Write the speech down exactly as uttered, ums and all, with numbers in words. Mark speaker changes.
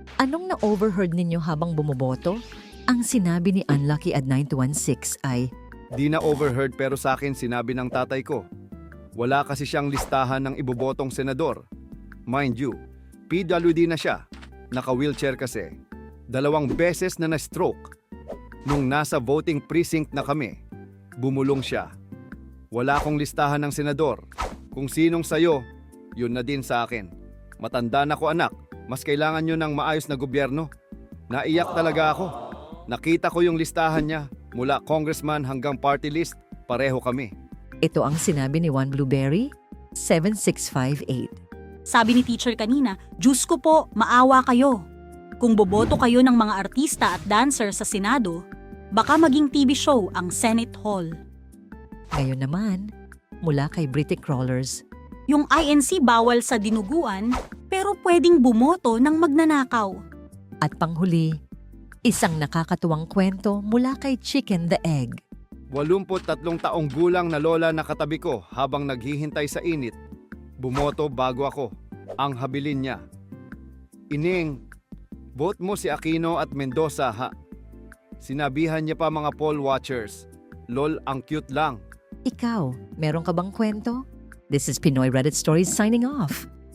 Speaker 1: Anong na-overheard ninyo habang bumoboto? Ang sinabi ni Unlucky at nine two one six ay,
Speaker 2: Di na overheard pero sa akin sinabi ng tatay ko. Wala kasi siyang listahan ng ibobotong senador. Mind you, P W D na siya. Naka-wheelchair kasi. Dalawang beses na na-stroke. Nung nasa voting precinct na kami, bumulong siya. Wala akong listahan ng senador. Kung sinong sayo, yun na din sa akin. Matanda na ko anak, mas kailangan nyo ng maayos na gobyerno. Naiyak talaga ako. Nakita ko yung listahan niya, mula congressman hanggang party list, pareho kami.
Speaker 1: ito ang sinabi ni Juan Blueberry, seven six five eight.
Speaker 3: Sabi ni teacher kanina, Diyos ko po, maawa kayo. Kung boboto kayo ng mga artista at dancer sa Senado, baka maging T V show ang Senate Hall.
Speaker 1: Ngayon naman, mula kay British Crawlers,
Speaker 3: Yung I N C bawal sa dinuguan, pero pwedeng bumoto ng magnanakaw.
Speaker 1: at panghuli, isang nakakatuwang kwento mula kay Chicken the Egg.
Speaker 2: Walumput tatlong taong gulang na lola na katabi ko habang naghihintay sa init. Bumoto bago ako. Ang habilin niya. Ining, vote mo si Aquino at Mendoza ha. Sinabihan niya pa mga poll watchers. Lol, ang cute lang.
Speaker 1: Ikaw, meron ka bang kwento? This is Pinoy Reddit Stories signing off.